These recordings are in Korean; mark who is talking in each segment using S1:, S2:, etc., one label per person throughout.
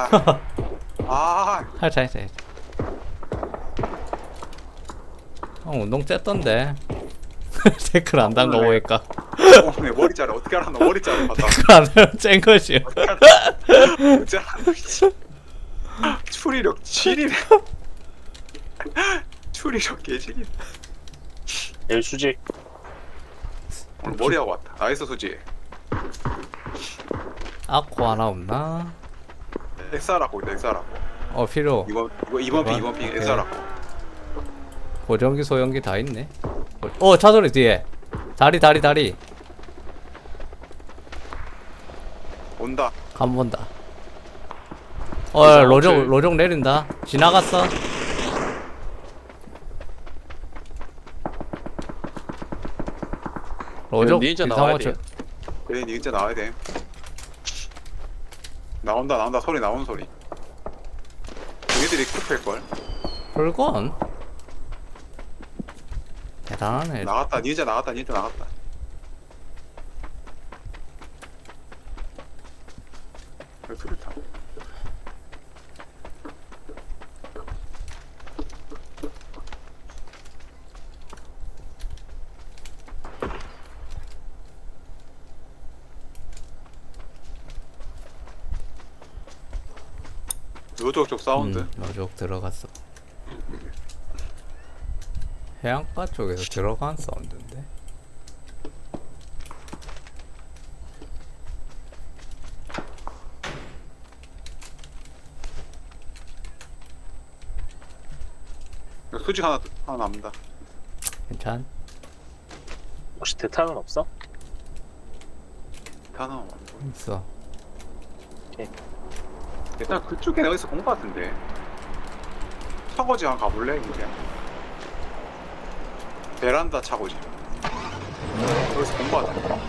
S1: 아,
S2: 살짝 살짝. 운동 쨌던데. 댓글 안 단 거 보니까.
S1: 내 머리 자를 어떻게 알았노? 머리 자를 봤다.
S2: 댓글 안 하면 쨍 거지.
S1: 어떻게 알았노? 진짜 추리력 7이네. 추리력 개질이네.
S3: 내일 수지.
S1: 오늘 머리하고 왔다. 나이스 수지.
S2: 아코 하나 없나?
S1: 엑사라고 있다. 엑사라고.
S2: 필요.
S1: 이번 핑
S2: 오케이.
S1: 엑사라고.
S2: 고정기 소형기 다 있네. 차소리 뒤에. 다리.
S1: 온다.
S2: 간 본다.
S1: 그래서
S2: 로족 내린다. 지나갔어. 로족
S4: 닌자 나와야
S2: 비상호출.
S4: 돼요.
S1: 그래, 니 진짜 나와야 돼. 나온다. 소리 나오는 소리. 얘들이 쿠페일걸?
S2: 홀건. 대단하네.
S1: 나갔다. 닌자 나갔다. 수류탄. 요쪽 쪽 사운드.
S2: 로족 들어갔어. 해안가 쪽에서 들어간 사운드인데.
S1: 수직 하나 남는다.
S2: 괜찮?
S3: 혹시 대탄은 없어?
S1: 하나.
S2: 있어.
S1: 일단 그쪽에 어디서 본 것 같은데. 차고지 한번 가볼래? 이제. 베란다 차고지. 여기서 본 것 같아.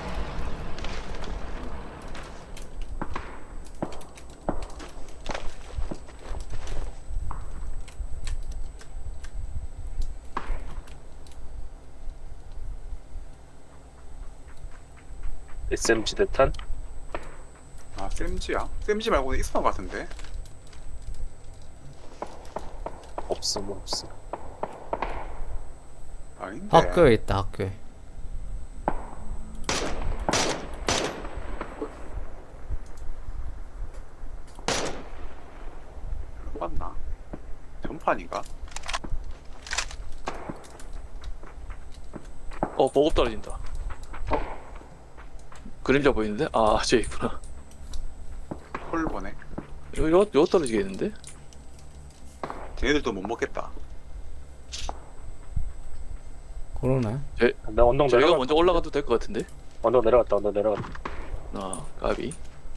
S3: SMG 대탄?
S1: 아, 쌤지야? 쌤지 말고는 있었던 것 같은데.
S3: 없어.
S1: 아닌데.
S2: 학교에 있다, 학교에.
S1: 봤나? 전판인가?
S4: 보급 떨어진다. 그림자 보이는데? 저 있구나.
S1: 콜 보네.
S4: 요 떨어지겠는데?
S1: 쟤네들도 못 먹겠다.
S2: 그러네.
S3: 나 언덕
S4: 저희가
S3: 내려갔다.
S4: 먼저 올라가도 될 것 같은데?
S3: 언덕 내려갔다.
S4: 까비.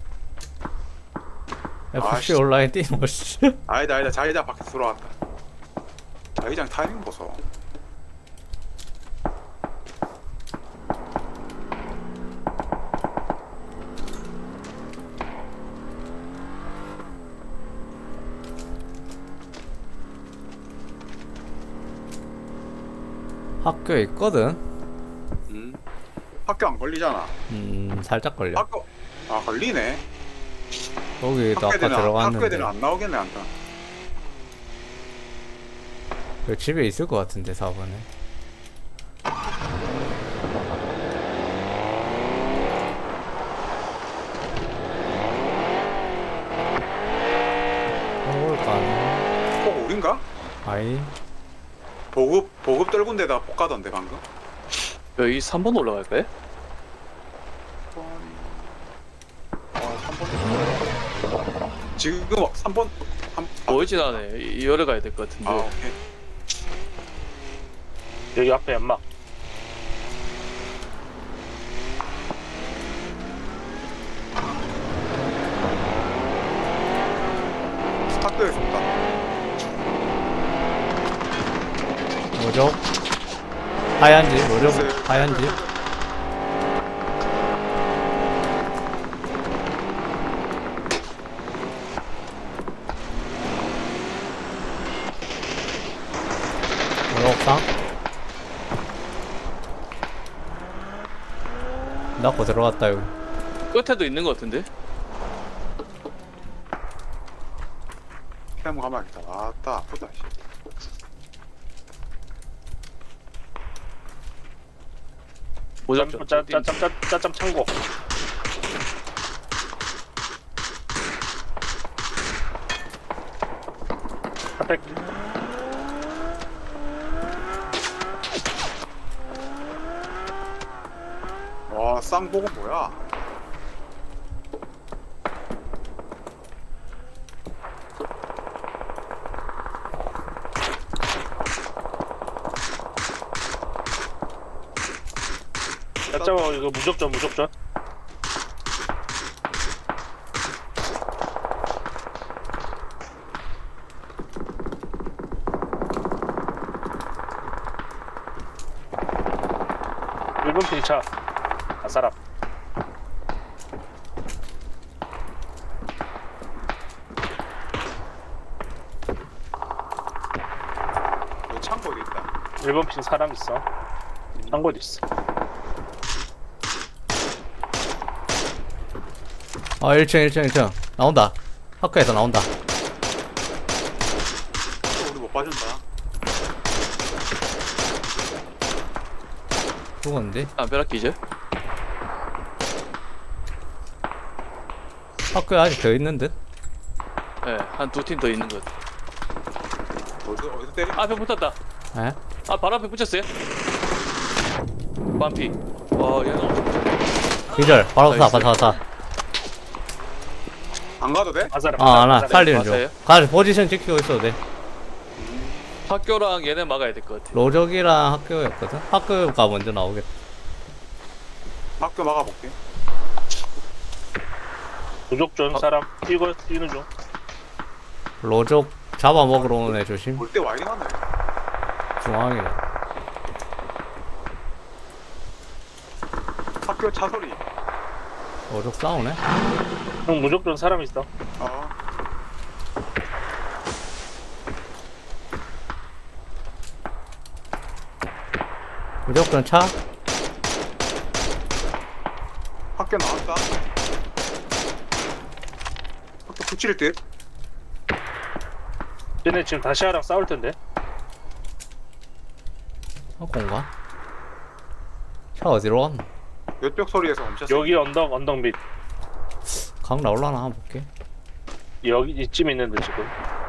S2: FC
S1: 씨.
S2: 온라인 뛰는 씨.
S1: 아니다. 자기장 밖에서 들어왔다. 자기장 타이밍 보소.
S2: 학교에 있거든.
S1: 학교 안 걸리잖아.
S2: 살짝 걸려.
S1: 학교 걸리네.
S2: 거기도 아까
S1: 학교 애들은
S2: 들어갔는데.
S1: 안 나오겠네 안다.
S2: 그 집에 있을 것 같은데 4번에. 올까?
S1: 꼭 우린가?
S2: 아이.
S1: 보급 떨군 데다가 폭 가던데 방금.
S4: 여기 3번 올라갈까요?
S1: 3번. 지금 3번.
S4: 보이진 않네. 열에 가야 될 것 같은데.
S1: 오케이.
S3: 여기 앞에 연막.
S1: 학교에서 온다.
S2: 뭐죠? 하얀 집, 뭐죠? 하얀 집. 옥상? 낳고 들어갔다 여기.
S4: 끝에도 있는 것 같은데?
S1: 한번 가봐야겠다. 아따 아프다. 씨.
S4: 무적전.
S3: 짜짬 창고. 핫팩.
S1: 와 쌍복은 뭐야?
S3: 짜짬 이거 무적전. 일본 핑차. 아사람.
S1: 너 창고 어디 있다.
S3: 일본 핑 사람 있어. 창고도 있어.
S2: 아 1층 나온다. 학교에서 나온다.
S1: 또 우리 못 봐준다.
S2: 죽었는데?
S4: 담벼락 기절.
S2: 학교에 아직 더 있는 듯?
S4: 예, 한 두 팀 더 있는 것 같아.
S1: 어디서 때리?
S4: 앞에 붙었다.
S2: 에?
S4: 아, 바로 앞에 붙였어요. 반피. 와, 얘는 엄청 붙였네.
S2: 기절 바로 쏴
S4: 나이스.
S2: 바로 쏴.
S1: 안 가도 돼?
S3: 아사람.
S2: 아나 살리는
S4: 맞아요?
S2: 중. 가서 포지션 지키고 있어도 돼.
S4: 학교랑 얘네 막아야 될 것 같아.
S2: 로적이랑 학교였거든? 학교가 먼저 나오겠다.
S1: 학교 막아볼게.
S3: 무적전 사람 뛰는 중.
S2: 로적 잡아먹으러 오는 애 조심.
S1: 볼 때 와 이리 가네.
S2: 중앙이네.
S1: 학교 차 소리.
S2: 로적 싸우네?
S3: 형 무적전 사람 있어.
S1: 어.
S2: 무조건 차?
S1: 학교 나왔다. 학교 붙일 듯.
S3: 얘네 지금 다시아랑 싸울 텐데.
S2: 학교인가? 차 어디로 왔노?
S1: 몇벽 소리에서 멈췄어.
S3: 여기 언덕 밑.
S2: 강 나올라나 한번 볼게.
S3: 여기 이쯤 있는데 지금.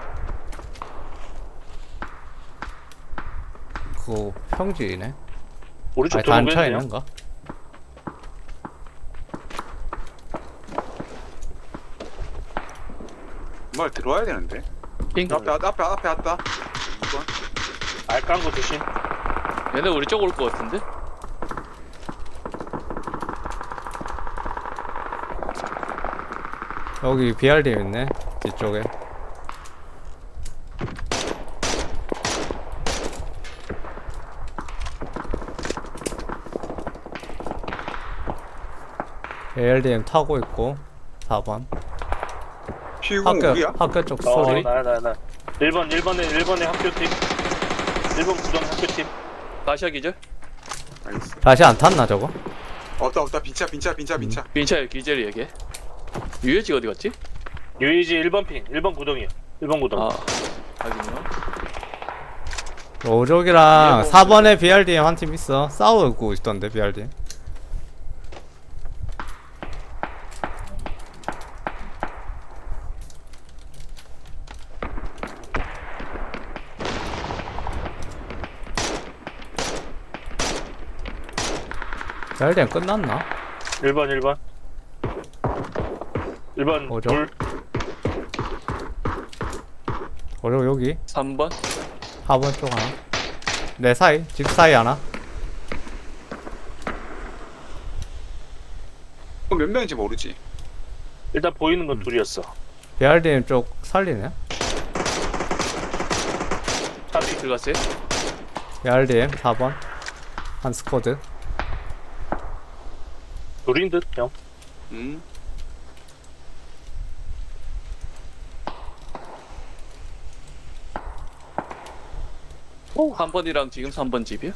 S2: 그거 평지네?
S3: 우리 쪽
S2: 아니 단차
S3: 들어오겠네요.
S2: 있는가?
S1: 정말 들어와야 되는데.
S4: 핑.
S1: 앞에 왔다. 2번.
S3: 알깐거 조심.
S4: 얘네 우리 쪽 올 것 같은데?
S2: 여기 BRD 있네 뒤쪽에. ARDM 타고 있고 4번
S1: 피우공
S2: 학교
S1: 우리야?
S2: 학교 쪽 소리.
S3: 나. 1번에 학교팀. 1번 구정 학교팀.
S4: 다시아 기절.
S1: 나이스.
S2: 다시 안 탔나 저거?
S1: 없다. 빈차.
S4: 빈차의 기절이 얘게. 유해지 어디 갔지?
S3: 유이지 1번 핑. 1번 구덩이야. 1번 구덩이.
S4: 아, 하긴요.
S2: 로족이랑
S4: 예, 뭐.
S2: 4번에 BRDM 한 팀 있어. 싸우고 있던데 BRDM. BRDM 끝났나?
S3: 1번. 1번
S2: 뭐죠?
S3: 둘.
S2: 로족 여기
S4: 3번.
S2: 4번 쪽 하나. 내 사이 집 사이 하나.
S1: 그럼 몇 명인지 모르지.
S3: 일단 보이는 건 둘이었어.
S2: BRDM 쪽 살리네.
S4: 차비 들어갔어요?
S2: BRDM 4번 한 스쿼드.
S3: 둘인 듯 형.
S4: 한 번이랑 지금 3번 집이야?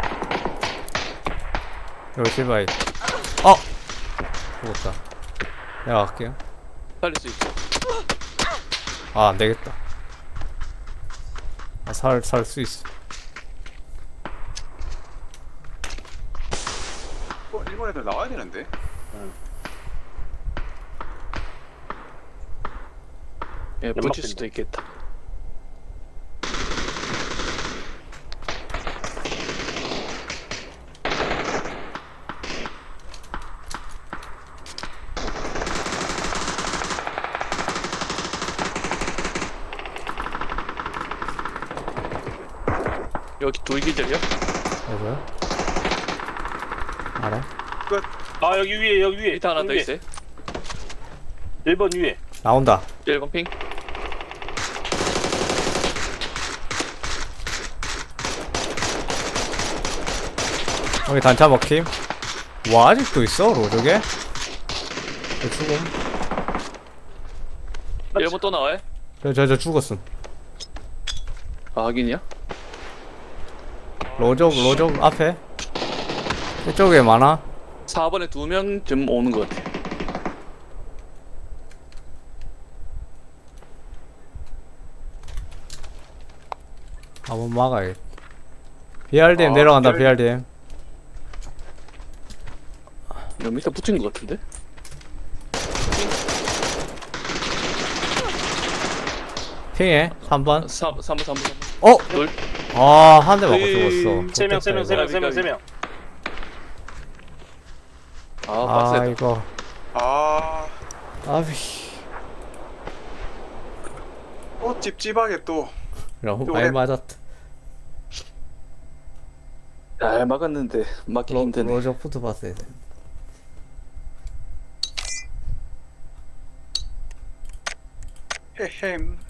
S2: 요시바이. 어! 죽었다. 내가 갈게요.
S4: 살릴 수 있어.
S2: 아, 안 되겠다. 아, 살 수 있어.
S1: 일본 애들 나와야 되는데.
S4: 예,
S3: 연막
S4: 붙일 수도 있겠다. 여기 둘 기절이야?
S2: 여보요? 알아?
S3: 아 여기 위에 여기 위에.
S4: 밑에 하나 더
S3: 여기
S4: 있어요.
S3: 1번 위에.
S2: 나온다.
S4: 1번 핑.
S2: 여기 단차 먹힘. 와, 아직도 있어, 로저게? 죽음.
S4: 1번 또 나와요?
S2: 저 죽었음.
S4: 아, 확인이야?
S2: 로저 앞에. 이쪽에 많아.
S4: 4번에 2명쯤 오는 것 같아.
S2: 한번 막아야겠다. BRDM
S1: 아,
S2: 내려간다,
S1: BRDM.
S2: BRDM.
S4: 여기 밑에 붙인 것 같은데?
S2: 핑해, 3번.
S4: 3번.
S2: 어?
S4: 둘.
S2: 아, 한 대 맞고
S4: 에이,
S2: 죽었어.
S3: 세 명, 세 명, 세 명, 세 명, 세 명.
S4: 아,
S2: 아,
S4: 빡세다.
S2: 이거.
S1: 아,
S2: 아비.
S1: 찝찝하게 또.
S2: 너무
S1: 또
S2: 많이
S1: 해.
S2: 맞았다.
S4: 잘 막았는데 막기 힘드네.
S2: 로저 푸드 봤어야 돼.
S1: 헤헴.